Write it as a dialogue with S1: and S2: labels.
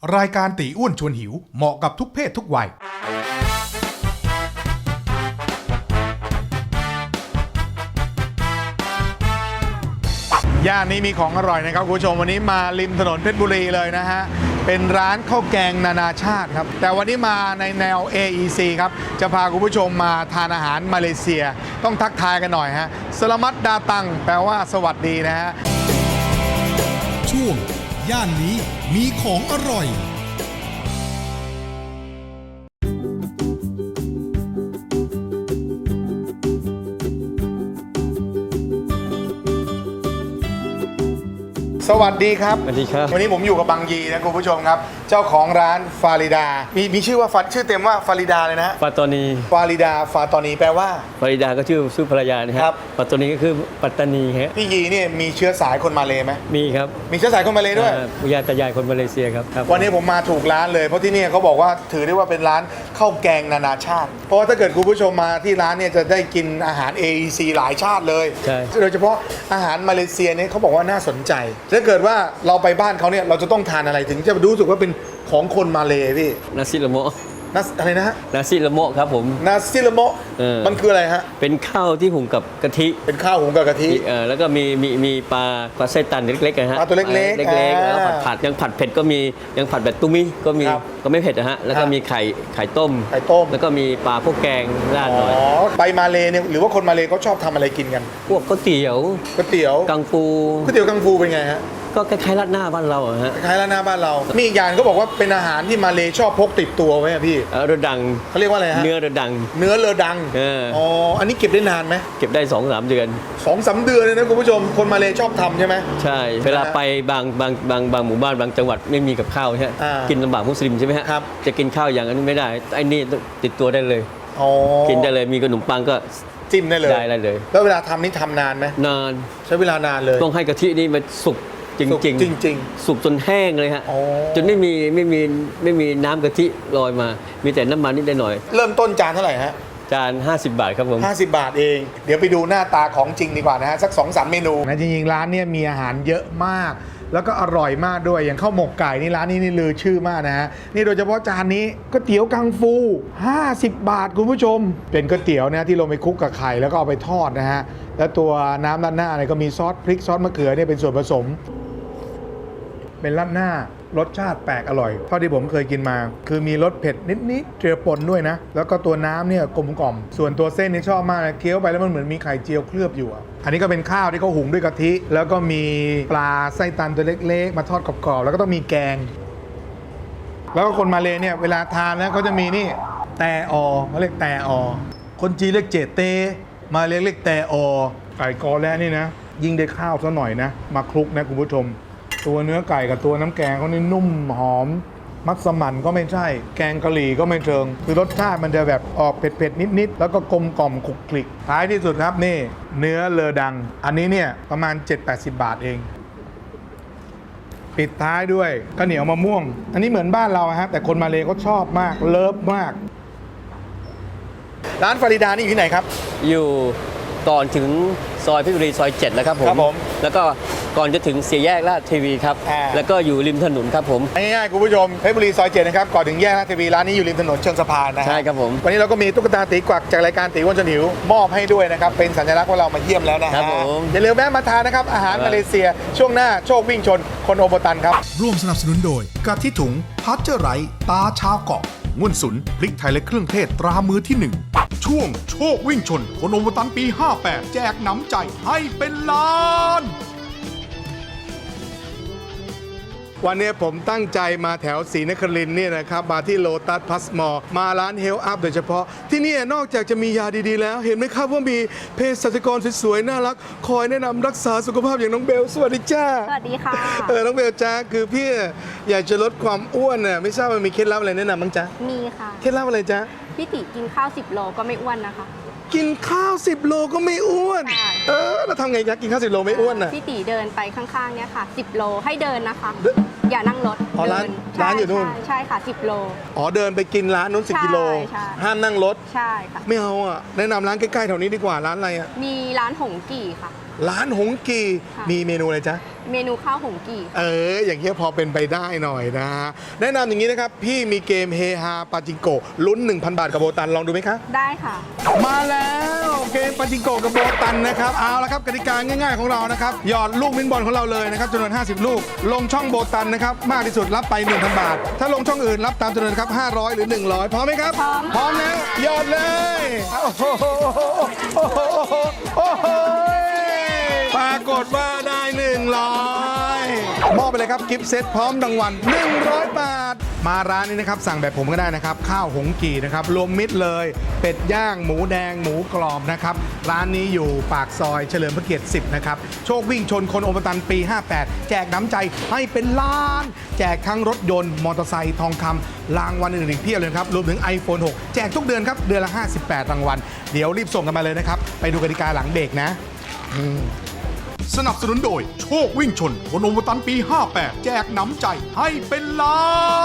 S1: รายการตีอ้วนชวนหิวเหมาะกับทุกเพศทุกวัยย่านนี้มีของอร่อยนะครับคุณผู้ชมวันนี้มาริมถนนเพชรบุรีเลยนะฮะเป็นร้านข้าวแกงนานาชาติครับแต่วันนี้มาในแนว AEC ครับจะพาคุณผู้ชมมาทานอาหารมาเลเซียต้องทักทายกันหน่อยฮะสลามัดดาตังแปลว่าสวัสดีนะฮะช่วงย่านนี้มีของอร่อยสวัสดีครับ
S2: สวัสดีครับ
S1: วันนี้ผมอยู่กับบังยีนะคุณผู้ชมครับเจ้าของร้านฟาริดามีชื่อว่าชื่อเต็มว่าฟาริดาเลยนะ
S2: ปัตตานี
S1: ฟาริดาฟาตอนีแปลว่า
S2: ฟาริดาก็ชื่อภรรยานะครับปัตตานีก็คือปัตตานีฮะ
S1: พี่ยีเนี่ยมีเชื้อสายคนมาเลไหม
S2: มีครับ
S1: มีเชื้อสายคนมาเลด้วย
S2: ปุยาตายายคนมาเลเซียครับ
S1: วันนี้ผมมาถูกร้านเลยเพราะที่นี่เขาบอกว่าถือได้ว่าเป็นร้านข้าวแกงนานาชาติเพราะว่าถ้าเกิดคุณผู้ชมมาที่ร้านเนี่ยจะได้กินอาหาร AEC หลายชาติเลย
S2: ใช่
S1: โดยเฉพาะอาหารมาเลเซียเนี่ยเขาบอกว่าน่าสนใจถ้าเกิดว่าเราไปบ้านเขาเนี่ยเราจะต้องทานอะไรถึงจะรู้สึกว่าเป็นของคนมาเลพี่
S2: นาซิละโม
S1: อะไรนะฮะ
S2: นาซิละโมครับผม
S1: นาซิละโมมันคืออะไรฮะ
S2: เป็นข้าวที่หุงกับกะทิ
S1: เป็นข้าวหุงกับกะทิ
S2: แล้วก็มีปลาไส้ตันเล็กๆนะฮะ
S1: ปลาตัวเล็กๆ
S2: แล้วผัดยังผัดเผ็ดก็มียังผัดแบบตุ้มิก็มีก็ไม่เผ็ดนะฮะแล้วก็มีไข่ต้มแล้วก็มีปลาพวกแกงราดหน่อย
S1: ไปมาเลเนี่ยหรือว่าคนมาเลเขาชอบทำอะไรกินกัน
S2: พวกก๋วยเตี๋ยวกังฟู
S1: ก๋วยเตี๋ยวกังฟูเป็นไงฮะ
S2: ก็คล้ายๆราดหน้าบ้านเราฮะ
S1: คล้ายๆราดหน้าบ้านเรามีอีกอย่างก็บอกว่าเป็นอาหารที่มาเลชอบพกติดตัวไว้พี่
S2: เรือดัง
S1: เขาเรียกว่าอะไรฮะ
S2: เนื้อเรือดัง
S1: เรือดังอ๋ออันนี้เก็บได้นานไหม
S2: เก็บได้ 2-3 เดือน
S1: 2-3 เดือนเลยนะคุณผู้ชมคนมาเลชอบทำใช่ไหม
S2: ใช่เวลาไปบางหมู่บ้านบางจังหวัดไม่มีกับข้าวใช่กินลำบากมุสลิมใช่ไหมฮะจะกินข้าวอย่างนั้นไม่ได้ไอ้นี่ติดตัวได้เลยกินได้เลยมีขนมปังก็
S1: จิ้มได้เลยแล้วเวลาทำนี่ทำนานไหม
S2: นาน
S1: ใช้เวลานานเลย
S2: ต้องให้กะทินี่มันสุกจริงสุกจนแห้งเลยฮะจนไม่มีน้ำกะทิลอยมามีแต่น้ำมันนิดหน่อย
S1: เริ่มต้นจานเท่าไหร่ฮะ
S2: จาน50 บาทครับผม
S1: 50 บาทเองเดี๋ยวไปดูหน้าตาของจริงดีกว่านะฮะสัก 2-3 เมนูนะจริงๆร้านเนี่ยมีอาหารเยอะมากแล้วก็อร่อยมากด้วยอย่างข้าวหมกไก่นี่ร้านนี้นี่ลือชื่อมากนะฮะนี่โดยเฉพาะจานนี้ก๋วยเตี๋ยวกังฟู50 บาทคุณผู้ชมเป็นก๋วยเตี๋ยวนะที่ลงไปคลุกกับไข่แล้วก็เอาไปทอดนะฮะแล้วตัวน้ำราดหน้าเนี่ยก็มีซอสพริกซอสมะเขือเนี่ยเป็นส่วนผสมเป็นราดหน้ารสชาติแปลกอร่อยเท่าที่ผมเคยกินมาคือมีรสเผ็ดนิดๆเจือปนด้วยนะแล้วก็ตัวน้ำเนี่ยกลมกล่อมส่วนตัวเส้นนี่ชอบมากเลยเคี้ยวไปแล้วมันเหมือนมีไข่เจียวเคลือบอยู่อันนี้ก็เป็นข้าวที่เขาหุงด้วยกะทิแล้วก็มีปลาไส้ตันตัวเล็กๆมาทอดกรอบๆแล้วก็ต้องมีแกงแล้วก็คนมาเลเนี่ยเวลาทานแล้วเขาจะมีนี่แตอเขาเรียกแตอคนจีนเรียกเจเตมาเรียกแตอไก่กอแล้นี่นะยิ่งได้ข้าวซะหน่อยนะมาคลุกนะคุณผู้ชมตัวเนื้อไก่กับตัวน้ำแกงเขานี่นุ่มหอมมัสมั่นก็ไม่ใช่แกงกะหรี่ก็ไม่เชิงคือรสชาติมันจะแบบออกเผ็ดๆนิดๆแล้วก็กลมกล่อมคลุกคลิกท้ายที่สุดครับนี่เนื้อเลอดังอันนี้เนี่ยประมาณ 7-80 บาทเองปิดท้ายด้วยข้าวเหนียวมะม่วงอันนี้เหมือนบ้านเราครับแต่คนมาเลเขาชอบมากเลิฟมากร้านฟาริดานี่อยู่ที่ไหนครับ
S2: อยู่ก่อนถึงซอยเพชรบุรีซอย7แล้วครับผมแล้วก็ก่อนจะถึง4 แยกลาดเทวีครับแล้วก็อยู่ริมถนนครับผม
S1: ง่ายๆคุณผู้ชมเพชรบุรีซอย7นะครับก่อนถึงแยกลาดเทวีร้านนี้อยู่ริมถนนเชิงสะพานนะ
S2: ใช่ครับผม
S1: วันนี้เราก็มีตุ๊กตาตีกวักจากรายการตีอ้วนชวนหิวมอบให้ด้วยนะครับเป็นสัญลักษณ์ว่าเรามาเยี่ยมแล้วนะฮะอย่าลืมแวะมาทานนะครับอาหารมาเลเซียช่วงหน้าโชควิ่งชนคนโอโบตันครับร่วมสนับสนุนโดยกะทิถุงพัชเจอร์ไรตาชาวเกาะง่วนสุนพริกไทยและเครื่องเทศตรามือที่1ช่วงโชควิ่งชนคนโอโบตันปี58แจกน้ำใจให้เป็นล้านวันนี้ผมตั้งใจมาแถวศรีนครินทร์เนี่ยนะครับมาที่โลตัสพลัสมอลมาร้านเฮลอัพโดยเฉพาะที่นี่นอกจากจะมียาดีๆแล้วเห็นไหมครับว่ามีเภสัชกรสวยๆน่ารักคอยแนะนำรักษาสุขภาพอย่างน้องเบลสวัสดีจ้า
S3: สวัสดีค่ะ
S1: น้องเบลจ้าคือพี่อยากจะลดความอ้วนน่ะไม่ทราบว่ามีเคล็ดลับอะไรแนะนำบ้างจ๊ะ
S3: มีค่ะ
S1: เคล็ดลับอะไรจ๊ะ
S3: พี่ติกินข้าว10 โลก็ไม่อ้วนนะคะ
S1: กินข้าว10 โลก็ไม่อ้วนแล้วทำไงจ๊ะกินข้าว10 โลไม่อ้วนน่ะ
S3: พี่ติเดินไปข้างๆเนี่ยค่ะ10 โลให้เดินนะคะอย่านั่งรถ
S1: ร้านอยู่นู่น
S3: ใช่ค่ะ10 โล
S1: เดินไปกินร้านนู้น10 กิโลห้ามนั่งรถ
S3: ใช่ค่ะ
S1: ไม่เอาแนะนำร้านใกล้ๆแถวนี้ดีกว่าร้านอะไร
S3: มีร้านหงกี่ค่ะ
S1: ร้านหงกี
S3: ค่ะ
S1: มีเมนูอะไรจ๊ะ
S3: เมนูข้าวหงกี่
S1: อย่างเงี้ยพอเป็นไปได้หน่อยนะฮะแนะนำอย่างนี้นะครับ พี่มีเกมเฮฮาปาจิงโกะลุ้น 1,000 บาทกับโบตันลองดูไหมคะ
S3: ได้ค่ะ
S1: มาแล้วเกมปาจิงโกะกับโบตันนะครับเอาละครับกติกาง่ายๆของเรานะครับหยอดลูกมินบอลของเราเลยนะครับจำนวน50 ลูกลงช่องโบตันนะครับมากที่สุดรับไป 1,000 บาท ถ้าลงช่องอื่นรับตามจำนวนครับ500 หรือ 100พร้อมไหมครับ
S3: พร้อม
S1: แล้วหยอดเลยโอ้โหโอ้โหโอ้โหปรากฏว่าได้100มอบไปเลยครับกิฟต์เซตพร้อมรางวัล100 บาท มาร้านนี้นะครับสั่งแบบผมก็ได้นะครับข้าวหงกี่นะครับรวมมิตรเลยเป็ดย่างหมูแดงหมูกรอบนะครับร้านนี้อยู่ปากซอยเฉลิมพระเกียรติ10นะครับโชควิ่งชนคนโอมตันปี 58 แจกน้ำใจให้เป็นล้าน แจกทั้งรถยนต์มอเตอร์ไซค์ทองคำรางวัลอื่นๆอีกเพียบเลยครับรวมถึง iPhone 6 แจกทุกเดือนครับเดือนละ58 รางวัลเดี๋ยวรีบส่งกันมาเลยนะครับไปดูกติกาหลังเบรกนะสนับสนุนโดยโชควิ่งชนคนโอมตันปี 58 แจกน้ำใจให้เป็นล้าน